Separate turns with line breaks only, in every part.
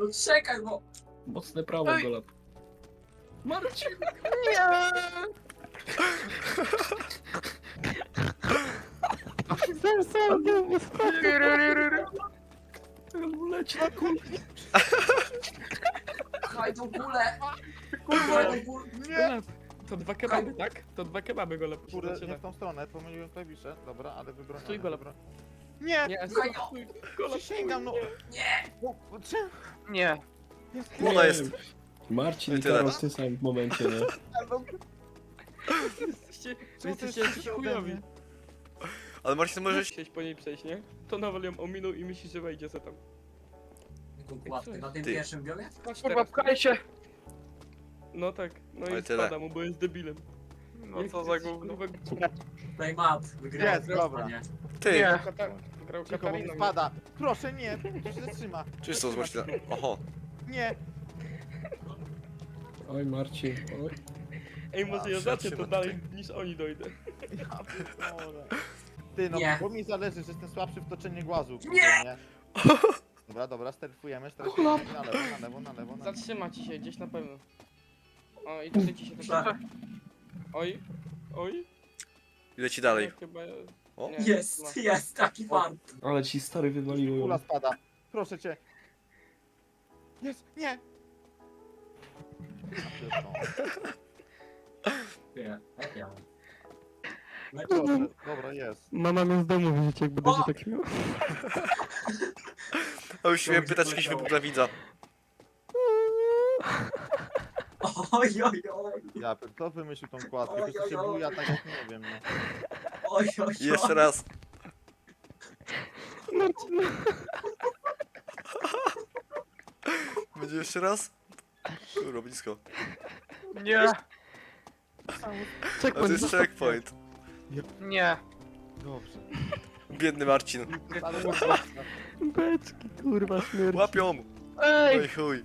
No czekaj, bo...
Mocne prawo,
Ej.
Golab. Marcin! Leci na kulę.
Pchaj tą kulę! Kurwa, tą kulę!
Golab. To dwa kebaby, tak? To dwa kebaby, Golab.
Kurde,
Zaczyna.
nie w tą stronę, pomyliłem klawisze. Dobra, ale wybrałem.
Stój, Golab.
Nie!
Nie,
Słuchaj,
stój, Golab.
Przysięgam, no!
Nie!
No, czemu?
Nie.
Ona jest.
Marcin
I
i
tyle.
Karol w tym samym momencie, nie?
Jesteście,
Co
wy
ty
jesteście
chcesz
jakiś
ode
chujowi.
mnie?
Ale Marcin, możesz...
Chciałeś po niej przejść, nie? To Nawal ją ominął i myśli, że wejdzie se tam.
Kładkę na tym
Ty.
pierwszym biomie?
Patrz
Kurwa,
teraz.
pchaj się.
No tak, no
Ale
i
tyle.
spada mu, bo jest debilem.
No
Jak
co
ty
za
jesteś,
gówno.
kurwa,
Playmat, wygrał.
Jest, dobra.
Nie.
Ty!
Nie.
Grał
Cicho, bo mi
Katariną.
spada. Proszę, nie, to się zatrzyma.
Czysto z Marcina. Oho.
Nie!
Oj, Marcin, oj.
Ej, może ja
A,
zacznę to
zatrzymaj
dalej, niż oni dojdę.
Ja pierdolę. Ty, no,
Nie.
bo mi zależy, że jestem słabszy w toczeniu głazu. kurde,
Nie!
Dobra, dobra, sterfujemy, na lewo.
Zatrzyma ci się gdzieś na pewno. O, i tutaj ci się to...
Tak.
Oj, oj.
Leci dalej.
No, chyba...
O.
nie,
Jest,
no.
jest, taki fan.
Ale ci stary wywaliło
Kula
ją.
spada. Proszę cię. Jest, nie! Ja pierdolę.
Nie, jak ja. No,
Proszę, dobra, jest.
Mama mnie z domu wyrzuci, jak
O!
tak śmiał.
A już miałem pytać, jakiś wybuch dla widza.
Oj, oj, oj,
Ja pier- kto wymyślił tą kładkę?
Oj,
To się
oj, oj.
buja tak jak nie wiem, no.
oj, oj,
I jeszcze raz. Będzie jeszcze raz? Kurwa, blisko.
Nie.
A to jest checkpoint.
Nie.
Dobrze.
Biedny Marcin.
Ale
Beczki, kurwa, śmierć.
Łapią!
Ej.
Oj chuj.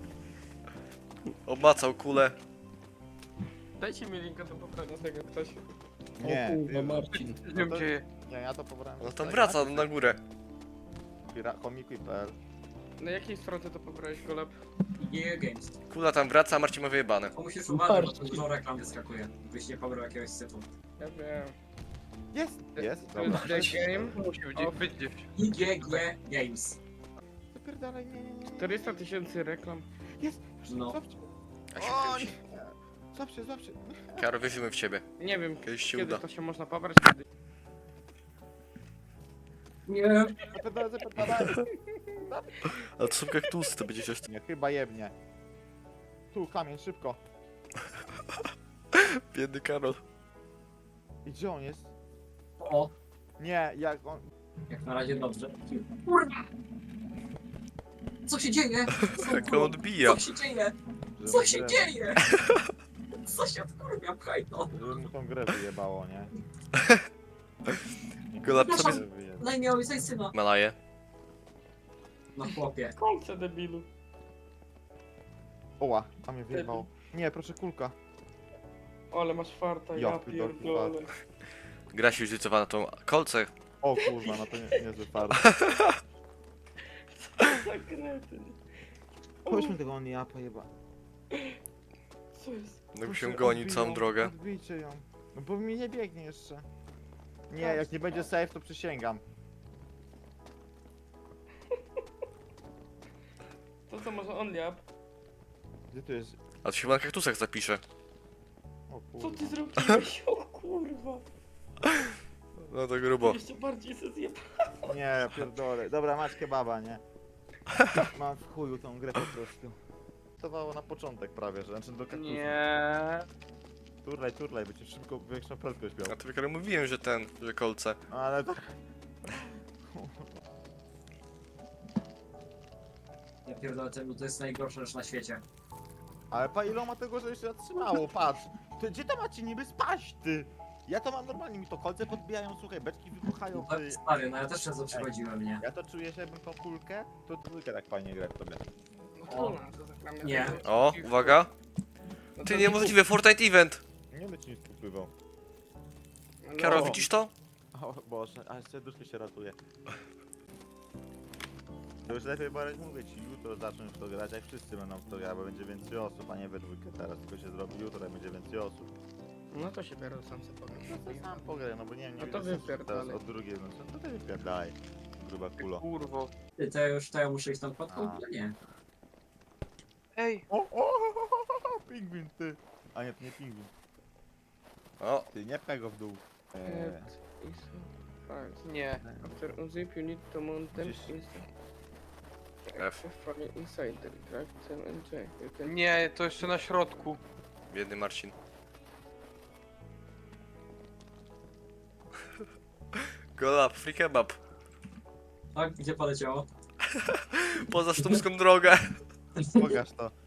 Obmacał kulę.
Dajcie mi linka do pobrania tego ktoś.
Nie,
O kurwa,
ty-
Marcin.
Co się dzieje?
Nie, ja to pobrałem.
No tam wraca na górę.
Komikuj.pl.
Na jakiej stronie to pobrałeś, Golab?
Nie, Games.
Kula tam wraca, a Marcin ma wyjebane.
To musisz uważać, bo to dużo reklam wyskakuje. Byś nie pobrał jakiegoś syfu.
Ja wiem.
Jest! Jest,
To
dobra.
jest The Game.
Musi być gdzieś.
IGG Games.
Zapierdalaj, nie.
400 000 reklam.
Jest!
No.
Złapcie.
A się
O,
kręci.
nie. Złapcie.
Karol, wierzymy w ciebie.
Nie wiem,
Kiedyś się
kiedy
uda.
to się można pobrać, kiedy...
Nie.
Zapierdalaj.
Ale to są kaktusy, to będzie coś...
Nie, chyba jebnie. Tu, kamień, szybko.
Biedny Karol.
I gdzie on jest?
O,
Nie, jak on...
jak na razie dobrze. Kurwa! Co się dzieje?
Jak on odbija.
Co się dzieje?
żeby-
Co się dzieje? Co się wkurwia, pchaj to.
Żeby mu tą grę wyjebało, nie?
Gola, co
Przepraszam.
by...
Wyjebał.
No i miał coś syna.
Malaje.
No chłopie.
Kolce, debilu.
Oła, a mnie wyjebało. Nie, proszę, kulka.
Ale masz farta,
Ja
ja
pierdolę.
pierdolę.
Gra się już zlicowana na tą kolce.
O kurwa, no to niezły fart.
Za kretyn.
Chodźmy tego Oniapa, jeba.
Co jest?
No
Proszę,
się gonił
odbij
całą
ją,
drogę.
Odbijcie ją. No bo mi nie biegnie jeszcze. Nie, jak nie będzie safe, to przysięgam.
To co, może on liab?
Gdzie tu jest?
A to się chyba na kaktusach zapisze.
O
Co
kurwa.
ty zrobiłeś? O kurwa.
No to grubo.
Jeszcze bardziej se zjeb...
Nie, pierdolę. Dobra, masz kebaba, nie? Mam w chuju tą grę po prostu. Stowało na początek prawie, że znaczy do kaktusu.
Nie.
Turlaj, by cię szybko większą prędkość miał.
A to Karol mówiłem, że kolce.
Ale to...
Ja pierdolę, to jest najgorsza rzecz na świecie.
Ale pa ile ma tego, że jeszcze zatrzymało, patrz. Ty, gdzie to macie niby spaść, ty? Ja to mam normalnie, mi to kolce podbijają, słuchaj, beczki wybuchają,
No,
ty.
stary, no ja też często przychodziłem, nie?
Ja to czuję, że jakbym tą kulkę, to dwójkę tak fajnie grać sobie.
O, nie.
O, uwaga. Ty, niemożliwe, Fortnite Event.
Nie będę ci nic popływał.
Karol, widzisz to?
O Boże, a serduszko się ratuje. To już lepiej barać, mówię ci, jutro zacząć w to grać, jak wszyscy będą w to grać, bo będzie więcej osób, a nie we dwójkę teraz, tylko się zrobi jutro, jak będzie więcej osób.
No to się biorę, sam sobie powiem.
No to sam pograj, no bo nie wiem, nie
No to
widzę sensu
wypierdalaj.
teraz od drugiej, no co to ty wypierdalaj, gruba kulo.
Kurwo.
Ty, to ja muszę iść tam pod kąt? Nie.
Ej,
Pingwin, ty! A nie, to nie pingwin.
O,
Ty, nie pchaj go w dół.
nie.
After unzip you need to mount them
Gdzieś-
F.
inside the track them and J. You can...
Nie, to jeszcze na środku.
biedny Marcin. Go up, free kebab.
Tak, gdzie poleciało?
Poza sztumską drogę.
Pokaż to.